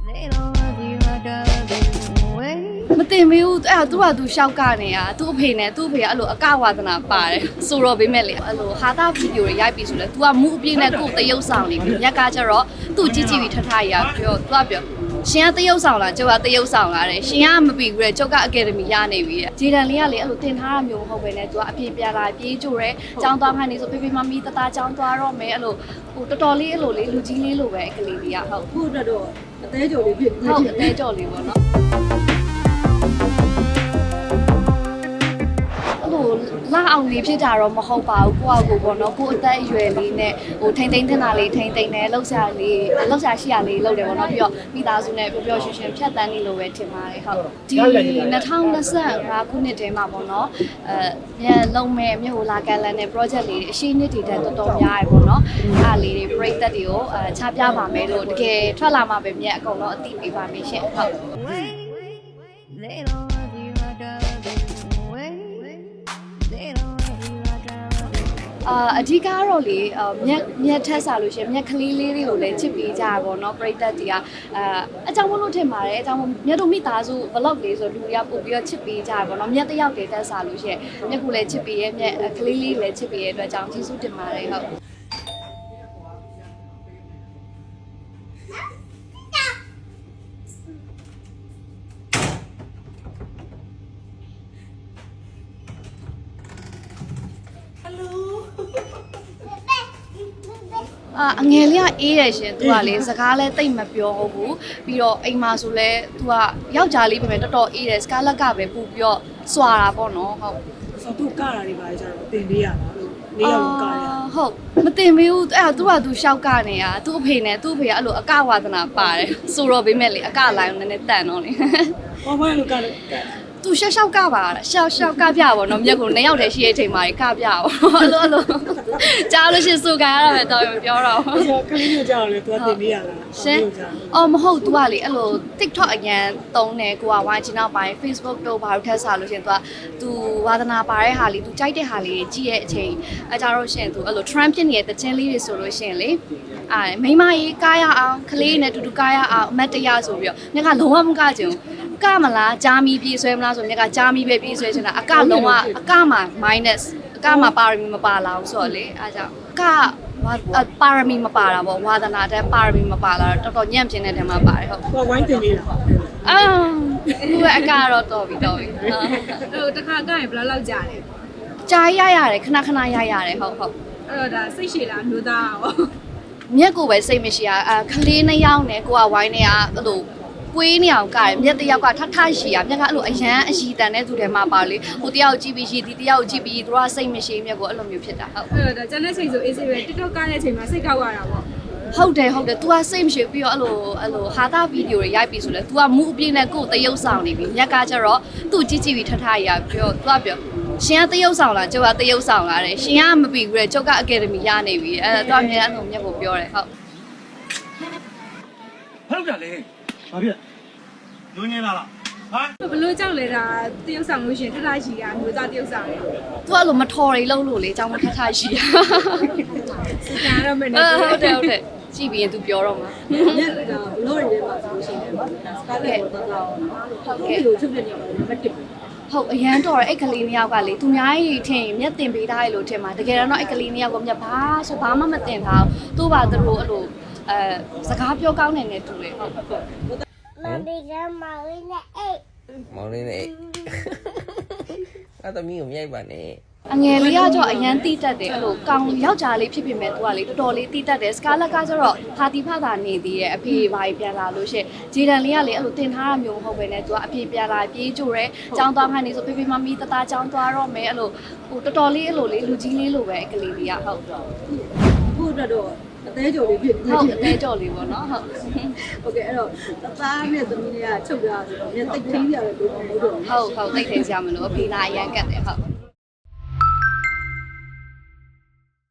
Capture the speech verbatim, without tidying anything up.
မတင်မေးဘူးအဲ့သူကသူရှောက်ကနေတာသူ့အဖေနဲ့သူ့အဖေကအဲ့လိုအကဝါဒနာပါတယ်ဆိုတော့ဘေးမဲ့လေအဲ့လိုဟာတာဗီဒီယိုတွေရိုက်ပြီးဆိုလဲ तू ကမူအပြည့်နဲ့ကိုယ်တရုပ်ဆောင်နေပြီမြက်ကကျတော့သူ့ကြည့်ကြည့်ပြီးထထရပြော तू ကပြောရှင်ကတရုပ်ဆောင်လားကျုပ်ကတရုပ်ဆောင်လားတဲ့ရှင်ကမပြီးဘူးတဲ့ကျုပ်ကအကယ်ဒမီရနေပြီတဲ့ဂျေဒန်လေးကလေအဲ့လိုတင်ထားတာမျိုးမဟုတ်ပဲနဲ့ तू ကအပြည့်ပြလာပြေးကြိုရဲចောင်းသွားမှနေဆိုဖေဖေမမီတသားចောင်းသွားတော့မယ်အဲ့လိုဟိုတော်တော်လေးအဲ့လိုလေးလူကြီးလေးလိုပဲအကလေးလေးကဟုတ်ခုအတွက်တော့အသေးကြော်လေးဖြစ်ဟုတ်အသေးကြော်လေးပေါ့နော်လာအောင်လေးဖြစ်တာတော့မဟုတ်ပါဘူးကိုယ့်အကိုပေါ့နော်ကိုယ့်အသက်အရွယ်လေးနဲ့ဟိုထိမ့်သိမ့်တင်တာလေးထိမ့်သိမ့်တယ်လှုပ်ရှားလေးလှုပ်ရှားရှိရလေးလှုပ်တယ်ပေါ့နော်ပြီးတော့မိသားစုနဲ့ပျော်ပျော်ရွှင်ရွှင်ဖြတ်တန်းနေလို့ပဲထင်ပါတယ်ဟုတ်ဒီ၂၀၂၅ခုနှစ်တည်းမှာပေါ့နော်အဲမြန်လုံးမဲ့မြို့ဟိုလာကန်လန်နဲ့ project လေးအရှိနှစ်တည်တဲ့တော်တော်များရပေါ့နော်အားလေးတွေပြိသက်တွေကိုအဲချပြပါမယ်လို့တကယ်ထွက်လာမှပဲမြတ်အကုန်လုံးအသိပေးပါမယ်ရှင်ဟုတ်အာအဓိကတော့လေမြက်မြက်ထက်စားလို့ရှိရင်မြက်ကလေးလေးတွေကိုလည်းချစ်ပေးကြရပါတော့ပရိသတ်တွေကအာအကြောင်းမလို့ထင်ပါတယ်အကြောင်းမြက်တို့မိသားစု vlog လေးဆိုလူတွေကပို့ပြီးတော့ချစ်ပေးကြရပါတော့မြက်တယောက်တည်းတက်စားလို့ရှိရင်မြက်ကူလည်းချစ်ပေးရဲ့မြက်ကလေးလေးလည်းချစ်ပေးရဲ့အတွက်ကြောင့်ကျေးဇူးတင်ပါတယ်ဟုတ်အာအငယ်လေးကအေးတယ်ရှင်သူကလေစကားလဲတိတ်မပြောဘူးပြီးတော့အိမ်မှာဆိုလဲသူကယောက်ျားလေးပဲတော်တော်အေးတယ်စကားလက်ကပဲပူပြီးတော့စွာတာပေါ့နော်ဟုတ်ဆိုသူကတာတွေပါကြတော့တင်ပေးရတာလို့လေးယောက်ကရဟုတ်မတင်မေးဘူးအဲ့သူကသူရှောက်ကနေတာသူ့အဖေနဲ့သူ့အဖေကအဲ့လိုအကဝါဒနာပါတယ်ဆိုတော့ဘေးမဲ့လေအကလိုင်းနည်းနည်းတန်တော့လေဟောဘာလို့ကလဲသူရှောက်ရှောက်ကပါရှောက်ရှောက်ကပြပါတော့မြက်ကိုနှစ်ယောက်တည်းရှိတဲ့အချိန်မှာကပြပါအဲ့လိုအဲ့လိုကြားလို့ရှိစူကန်ရတာပဲတော့မပြောတော့ဘူးကလေးမျိုးကြောက်လေသူကတင်ပေးရတာရှင်အော်မဟုတ် तू ကလေအဲ့လို TikTok အရင်သုံးတယ်ကိုကဝိုင်းချင်တော့ပိုင်း Facebook တို့ဘာလို့ထက်စားလို့ရှင် तू က तू ဝါသနာပါတဲ့ဟာလေး तू ကြိုက်တဲ့ဟာလေးကြီးရဲ့အချိန်အဲကြတော့ရှင် तू အဲ့လို trend ဖြစ်နေတဲ့တခြင်းလေးတွေဆိုလို့ရှင်လေအာမိမကြီးကားရအောင်ကလေးနဲ့တူတူကားရအောင်အမတ်တရားဆိုပြီးတော့မြက်ကလုံးဝမကကြဘူးကမလားဂျာမီပြေးဆွဲမလားဆိုမြက်ကဂျာမီပဲပြေးဆွဲချင်တာအကလုံးဝအကမှာ minus အကမှာပါရမီမပါလာဘူးဆိုတော့လေအားကြောင့်ကပါရမီမပါတာပေါ့ဝါသနာတဲ့ပါရမီမပါလာတော့တော်တော်ညံ့ပြင်းတဲ့ထဲမှာပါတယ်ဟုတ်ဟိုဝိုင်းတင်ပေးတာအာသူ့အကတော့တော်ပြီတော်ပြီဟိုတခါကရင်ဘယ်လောက်ကြာလဲကြာရရတယ်ခဏခဏရရတယ်ဟုတ်ဟုတ်အဲ့တော့ဒါစိတ်ရှည်လားမျိုးသားရောမြက်ကိုပဲစိတ်မရှိရအခလေးနှစ်ယောက်နဲ့ကိုကဝိုင်းနေရအဲ့လိုကွေးနေအောင်ကရမြက်တယောက်ကထထရှိရမြက်ကအဲ့လိုအရန်အရှိတန်တဲ့သူတွေမှာပါလေဟိုတယောက်ကြည့်ပြီးရှိဒီတယောက်ကြည့်ပြီးသူကစိတ်မရှိမြက်ကိုအဲ့လိုမျိုးဖြစ်တာဟုတ်အဲ့တော့ကျန်တဲ့ချိန်ဆိုအေးစေးပဲ TikTok ကားတဲ့အချိန်မှာစိတ်ကောက်ရတာပေါ့ဟုတ်တယ်ဟုတ်တယ် तू ကစိတ်မရှိပြီးတော့အဲ့လိုအဲ့လိုဟာတာဗီဒီယိုတွေရိုက်ပြီးဆိုလဲ तू ကမူအပြည့်နဲ့ကိုယ်တရုပ်ဆောင်နေပြီမြက်ကကျတော့သူ့ကြည့်ကြည့်ပြီးထထရပြော तू ကပြောရှင်ကတရုပ်ဆောင်လားကျုပ်ကတရုပ်ဆောင်လားတဲ့ရှင်ကမပြီးဘူးတဲ့ကျုပ်ကအကယ်ဒမီရနေပြီအဲ့တော့ तू အမြဲအဲ့လိုမြက်ကိုပြောတယ်ဟုတ်ဟုတ်တယ်လေဘာဖြစ်ညင်းလာလားဟာဘလို့ကြောက်လဲတာတရုပ်ဆောင်လို့ရှင်ထထရှိရမျိုးသားတရုပ်ဆောင်တယ်သူကလိုမထော်ရီလုံးလို့လေအကြောင်းမထထရှိရစကန်ရမယ်နော်ဟုတ်တယ်ဟုတ်တယ်ကြည့်ပြီးရင်သူပြောတော့မှာညက်တာဘလို့တွေမှာဆိုလို့ရှိရင်စကားလေးတော့တော့ဟုတ်ကဲ့လို့ချုပ်ပြနေပါတယ်မတစ်ဟုတ်အရန်တော်အဲ့ကလေးနှစ်ယောက်ကလေသူများကြီးထင်မြက်တင်ပေးထားရလို့ထင်မှာတကယ်တော့အဲ့ကလေးနှစ်ယောက်ကမြက်ဘာဆိုဘာမှမတင်ထားဘူးသူ့ဘာသူတို့အဲ့လိုအဲစကားပြောကောင်းနေနေတူတယ်ဟုတ်ဟုတ်မမီကမောင်လေးနဲ့အိတ်မောင်လေးနဲ့အဲ့သမီးကိုမြိုက်ပါနဲ့အငယ်လေးကကြောအရန်တိတက်တယ်အဲ့လိုကောင်းယောက်ျားလေးဖြစ်ဖြစ်မဲ့သူကလေတော်တော်လေးတိတက်တယ်စကားလက်ကကျတော့ဖာတီဖတာနေသေးရဲ့အဖေဘာကြီးပြန်လာလို့ရှိရင်ဂျေဒန်လေးကလေအဲ့လိုတင်ထားတာမျိုးမဟုတ်ပဲနဲ့သူကအဖေပြန်လာပြေးကြိုရဲចောင်းသွားမှနေဆိုဖေဖေမမီတသားចောင်းသွားတော့မယ်အဲ့လိုဟိုတော်တော်လေးအဲ့လိုလေးလူကြီးလေးလိုပဲအကလေးလေးကဟုတ်ခုအတွက်တော့အသေးကြော်လေးဖြစ်ဟုတ်အသေးကြော်လေးပေါ့နော်ဟုတ်โอเคအဲ့တော့တသားနဲ့သမီးလေးကချုပ်ကြဆိုတော့မြက်တိတ်ထင်းကြတယ်လို့မဟုတ်တော့ဟုတ်ဟုတ်တိတ်ထင်းကြမလို့အဖေနာအရန်ကတ်တယ်ဟုတ်